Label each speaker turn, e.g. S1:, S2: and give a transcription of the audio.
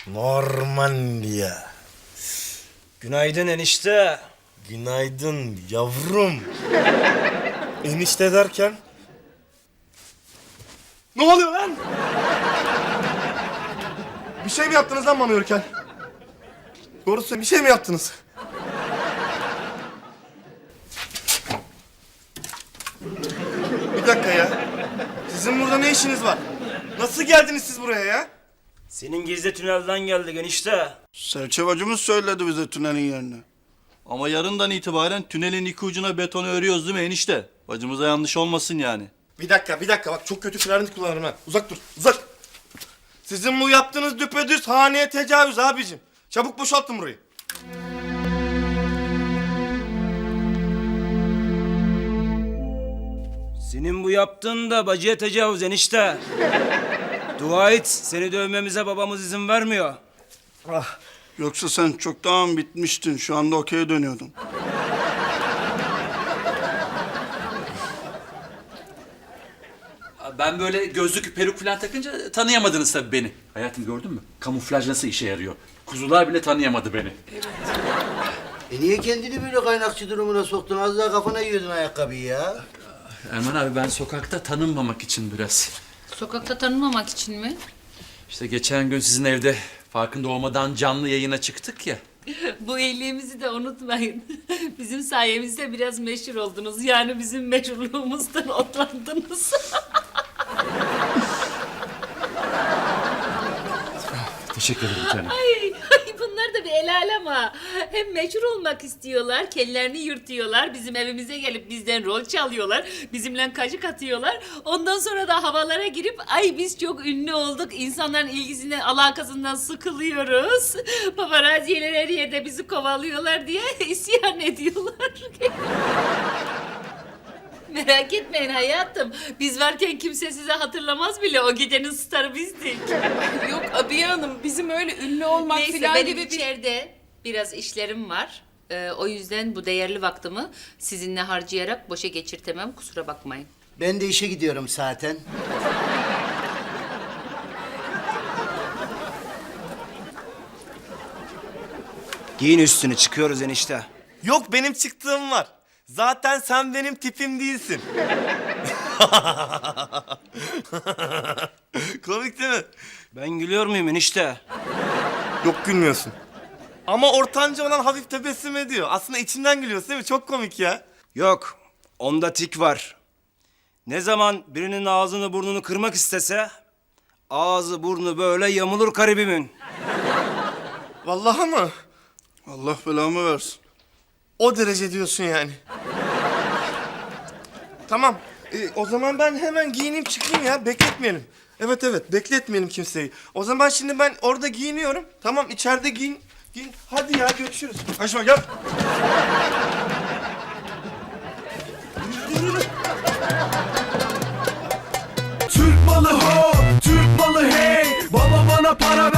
S1: Normandiya.
S2: Günaydın enişte.
S1: Günaydın yavrum. Enişte derken? Ne oluyor lan? Bir şey mi yaptınız lan bana yürürken? Doğru söyle, bir şey mi yaptınız? Bir dakika ya. Sizin burada ne işiniz var? Nasıl geldiniz siz buraya ya?
S2: Senin gizli tünelden geldik enişte.
S3: Serçe bacımız söyledi bize tünelin yerini. Ama yarından itibaren tünelin iki ucuna betonu örüyoruz değil mi enişte? Bacımıza yanlış olmasın yani.
S1: Bir dakika bak çok kötü klarnet kullanırım ha. Uzak dur, uzak. Sizin bu yaptığınız düpedüz haneye tecavüz abicim. Çabuk boşaltın burayı.
S2: Senin bu yaptığın da bacıya tecavüz enişte. Dua et, seni dövmemize babamız izin vermiyor.
S3: Yoksa sen çoktan bitmiştin. Şu anda okey'e dönüyordun.
S4: Ben böyle gözlük, peruk falan takınca tanıyamadınız tabii beni. Hayatım gördün mü? Kamuflaj nasıl işe yarıyor? Kuzular bile tanıyamadı beni.
S5: Niye kendini böyle kaynakçı durumuna soktun? Az daha kafana yiyordun ayakkabıyı ya.
S4: Erman abi ben sokakta tanınmamak için biraz.
S6: Sokakta tanınmamak için mi?
S4: İşte geçen gün sizin evde farkında olmadan canlı yayına çıktık ya.
S6: Bu iyiliğimizi de unutmayın. Bizim sayemizde biraz meşhur oldunuz. Yani bizim meşhurluğumuzdan otlandınız.
S4: Teşekkür ederim canım.
S6: Ay, bunlar da bir el alem ha. Hem meşhur olmak istiyorlar, kendilerini yırtıyorlar. Bizim evimize gelip bizden rol çalıyorlar. Bizimle kaşık atıyorlar. Ondan sonra da havalara girip ay biz çok ünlü olduk. İnsanların ilgisinden, alakasından sıkılıyoruz. Paparazziler her yerde bizi kovalıyorlar diye isyan ediyorlar. Merak etmeyin hayatım. Biz varken kimse sizi hatırlamaz bile. O gecenin starı bizdik.
S7: Yok Abiye Hanım, bizim öyle ünlü olmak
S6: Neyse
S7: falan
S6: benim
S7: gibi bir...
S6: içeride biraz işlerim var. O yüzden bu değerli vaktimi sizinle harcayarak boşa geçirtemem. Kusura bakmayın.
S5: Ben de işe gidiyorum zaten.
S2: Giyin üstünü, çıkıyoruz enişte.
S1: Yok benim çıktığım var. Zaten sen benim tipim değilsin. Komik değil mi?
S2: Ben gülüyor muyum enişte?
S1: Yok gülmüyorsun. Ama ortanca olan hafif tebessüm ediyor. Aslında içinden gülüyorsun değil mi? Çok komik ya.
S2: Yok, onda tik var. Ne zaman birinin ağzını burnunu kırmak istese... ...ağzı burnu böyle yamulur garibimin.
S1: Vallahi mı?
S3: Allah belamı versin.
S1: O derece diyorsun yani. Tamam. O zaman ben hemen giyineyim çıkayım ya. Bekletmeyelim. Evet bekletmeyelim kimseyi. O zaman şimdi ben orada giyiniyorum. Tamam içeride giyin. Hadi ya görüşürüz. Aşma gel.
S8: Türk malı ho, Türk malı hey. Baba bana para